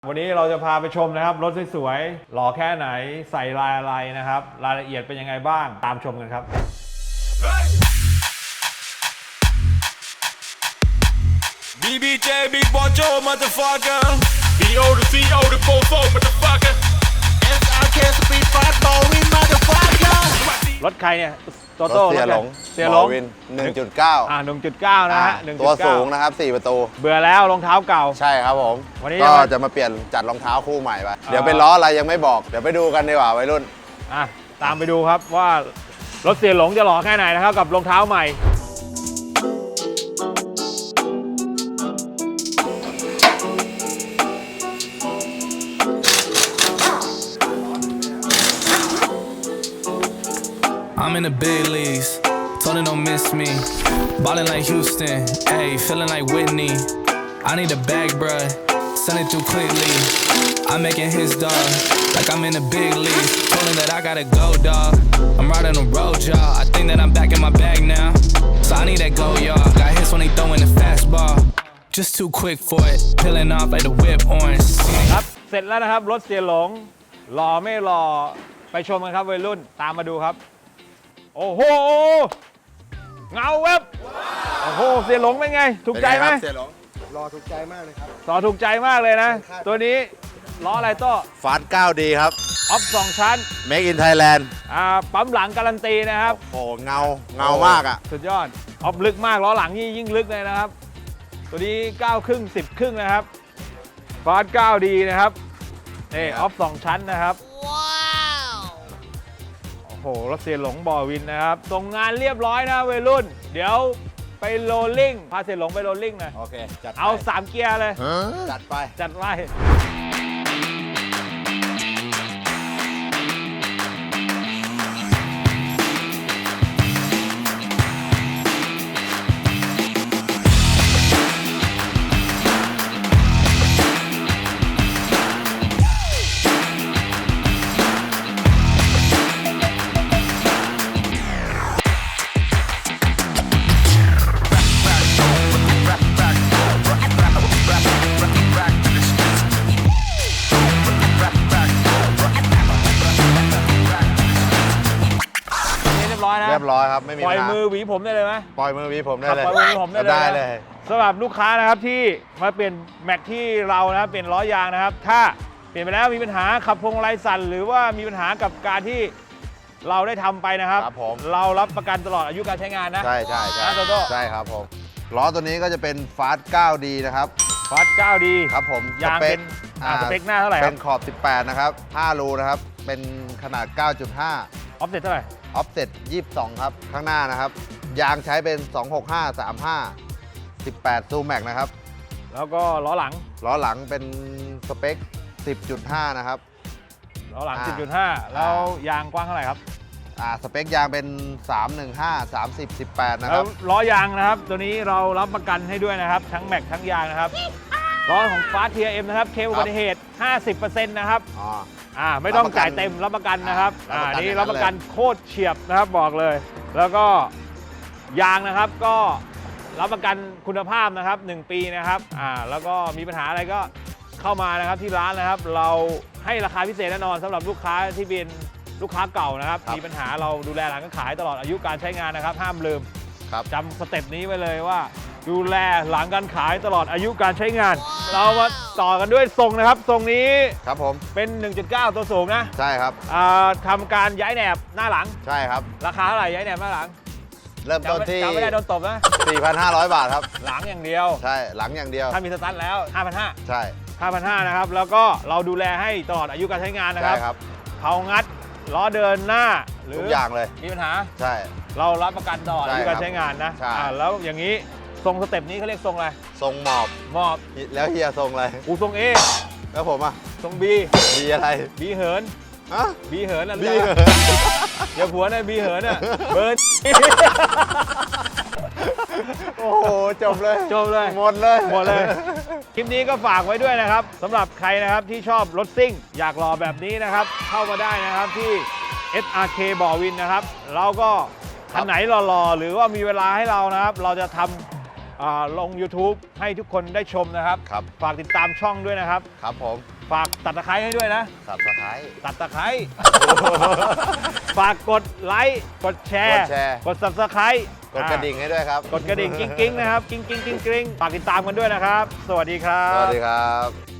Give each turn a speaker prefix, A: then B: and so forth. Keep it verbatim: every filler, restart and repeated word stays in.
A: วันนี้เราจะพาไปชมนะครับรถสวยๆหล่อแค่ไหนใส่ลายอะไรนะครับรายละเอียดเป็นยังไงบ้างตามชมกันครับ
B: บี บี เจ Big Boy Joe motherfucker บี โอ to ซี โอ to โฟร์ โฟร์ motherfucker เอส อาร์ เค Speed Fast Bowling motherfucker
A: รถใครเนี่ยโตโต้
C: เสียหลง
A: เสียหลง
C: วิน หนึ่งจุดเก้า
A: อ่าหนึ่งจุดเก้านะฮะหนึ่งจุ
C: ตัว
A: ดเก้า
C: สูงนะครับสี่ประตู
A: เบื่อแล้วรองเท้าเก่า
C: ใช่ครับผม
A: วันนี้
C: ก็
A: จะมา
C: จะมาเปลี่ยนจัดรองเท้าคู่ใหม่ไป
A: อ่า
C: เดี๋ยวเป็นล้ออะไรยังไม่บอก เดี๋ยวไปดูกันดีกว่าวัยรุ่น
A: อ่ะตามไปดูครับว่ารถเสียหลงจะหล่อแค่ไหนนะครับกับรองเท้าใหม่
D: I'm in the big leagues, told her don't miss me. Ballin' like Houston, ayy, feeling like Whitney. I need a bag, bruh, send it through quickly. I'm making his dog, like I'm in the big leagues. Told him that I gotta go, dog. I'm riding a road, y'all. I think that I'm back in my bag now. So I need that go, y'all. Got hits when he throwing the fastball. Just too quick for it, peeling off like the whip orange.
A: ครับเสร็จแล้วนะครับรถเสียหลงหล่อไม่หล่อไปชมกันครับวัยรุ่นตามมาดูครับโอ้โหเงาเว็บโอ้โหเสียหลงเป็นไงถูกใจไหม
C: เสียหลง
E: รอถูกใจมากเลยครับ
A: ต่อถูกใจมากเลยนะ ตัวนี้ล้ออะไรโต้
C: ฟาสเก้าดีครับ
A: ออฟสองชั้น
C: Make in Thailand
A: อ่าปั๊มหลังการันตีนะครับ
C: โอ้โหเงาเงามากอ่ะ
A: สุดยอดออฟลึกมากล้อหลังนี่ยิ่งลึกเลยนะครับ ตัวนี้เก้าครึ่งสิบครึ่งนะครับฟาสเก้าดีนะครับนี่ออฟสองชั้นนะครับว้าวโอ้โหรถเสียหลงบ่อวินนะครับส่งงานเรียบร้อยนะวัยรุ่น เดี๋ยวไปโรลลิ่งพาเสียหลงไปโรลลิ่งหน่อย
C: โอเค จัดไป
A: เอาสามเกียร์เลย
C: จัดไป
A: จัดไว้เรียบร้อยนะ
C: เรียบร้อยครับ ไม่มี
A: ปล่อย
C: ปัญหา
A: มือหวีผมได้เลยไหม
C: ปล่อยมือวีผมได้
A: ครับ
C: เลย
A: ปล่อยมือหวีผมได้เลย
C: ได้
A: นะ
C: เลย
A: สำหรับลูกค้านะครับที่มาเปลี่ยนแม็กที่เรานะครับเปลี่ยนล้อยางนะครับ ถ้าเปลี่ยนไปแล้วมีปัญหาขับพวงมาลัยสั่นหรือว่ามีปัญหากับการที่เราได้ทำไปนะครับ
C: ครับผม
A: เรารับประกันตลอดอายุการใช้งานนะ
C: ใช่ใช่ใช่
A: นะโตโต้
C: ใช่ครับผม ล้อตัวนี้ก็จะเป็นฟาสเก้าดีนะครับ
A: ฟอสเก้าดี
C: ครับผม
A: ยางเป็นอ่าสเปคหน้าเท่าไหร่ค
C: เป็
A: รับ
C: นขอบ สิบแปด นะครับ ห้า รูนะครับ เป็นขนาด เก้าจุดห้า
A: ออฟเซ็ตเท่าไหร่
C: ออฟเซ็ตยี่สิบสอง ครับ ข้างหน้านะครับ ยางใช้เป็น สองหกห้า สามห้า สิบแปด ซูแม็กนะครับ
A: แล้วก็ล้อหลัง
C: ล้อหลังเป็นสเปค สิบจุดห้า นะครับ
A: ล้อหลัง
C: อ่า
A: สิบจุดห้า แล้วยางกว้างเท่าไหร่ครับ
C: อ่า สเปคยางเป็น สามหนึ่งห้า สามสิบ สิบแปด นะค
A: แล้
C: รั
A: ว
C: บ
A: ล้อยางนะครับ ตัวนี้เรารับประกันให้ด้วยนะครับ ทั้งแม็กทั้งยางนะครับล้อของฟาสทีเอ็มนะครับเคลอุบัติเหตุ ห้าสิบเปอร์เซ็นต์ นะครับ
C: อ๋อ
A: อ่าไม่ต้อง
C: รับประกัน
A: จ่ายเต็มรับประกันนะครับ
C: อ่า
A: อ่า
C: รับประกัน
A: นี่
C: อย่างนั้น
A: รับประกันโคตรเฉียบนะครับบอกเลย แล้วก็ยางนะครับก็รับประกันคุณภาพนะครับหนึ่งปีนะครับอ่าแล้วก็มีปัญหาอะไรก็เข้ามานะครับที่ร้านนะครับ เราให้ราคาพิเศษแน่นอนสำหรับลูกค้าที่เป็นลูกค้าเก่านะครับ
C: ครับ
A: มีปัญหาเราดูแลหลังการขายตลอดอายุการใช้งานนะครับ ห้ามลืม
C: ครับ
A: จำสเต็ปนี้ไว้เลยว่า ดูแลหลังการขายตลอดอายุการใช้งาน เรามาต่อกันด้วยทรงนะครับทรงนี้
C: ครับผม
A: เป็น หนึ่งจุดเก้า ตัวสูงนะ
C: ใช่ครับ
A: อ่าทำการย้ายแหนบหน้าหลัง
C: ใช่ครับ
A: ราคาเท่าไหร่ย้ายแหนบหน้าหลัง
C: เริ่มต้น
A: จำไม่
C: ที่
A: จำไม่ได้โดนตบนะ
C: สี่พันห้าร้อย บาทครับ
A: หลังอย่างเดียว
C: ใช่ หลังอย่างเดียว
A: ถ้ามีสตันแล้ว ห้าพันห้า
C: ใช่
A: ห้าพันห้า นะครับ แล้วก็เราดูแลให้ตลอดอายุการใช้งานนะค
C: ใช่
A: รับ
C: ครับ
A: เผางัดล้อเดินหน้าหรื
C: ทุกอย่างเลย
A: มีปัญหา
C: ใช่
A: เรารับประกันตลอด
C: ใช่
A: อายุการใช้งานนะ
C: ใช่
A: อ่าแล้วอย่างนี้ทรงสเต็ปนี้เขาเรียกทรงอะไร
C: ทรงหมอบ
A: มอบ
C: แล้วเฮียทรงอะไร
A: อูทรงเอ
C: แล้วผมอ่ะ
A: ทรงบี
C: ดีอะไร
A: บีเหิน
C: ฮะ
A: บีเหินอะไร
C: บี
A: นะอย่าผัวนะบีเหินอ่ะเบิร์น
C: โอ้โห จบเลย
A: จบเลย
C: หมดเลย
A: หมดเลย คลิปนี้ก็ฝากไว้ด้วยนะครับสำหรับใครนะครับที่ชอบรถซิ่ง อยากรอแบบนี้นะครับ เข้ามาได้นะครับที่ เอส อาร์ เค บ่อวินนะครับ เราก็คันไหนรอๆหรือว่ามีเวลาให้เรานะครับ เราจะทำอ่าลง YouTube ให้ทุกคนได้ชมนะครับ
C: ครับ
A: ฝากติดตามช่องด้วยนะครับ
C: ครับผม
A: ฝากตัดตะไคร้ให้ด้วยนะ
C: สับสไครต์
A: ตัดตะไคร้ ฝากกดไลค์กดแชร์
C: กดแชร์
A: กด Subscribe
C: กดกระดิ่งให้ด้วยครับ
A: กดกระดิ่งกิ้งกิ้งๆนะครับกิ้งกิ้งกิ้งกิ้งฝากติดตามกันด้วยนะครับ สวัสดีครับ
C: สวัสดีครับ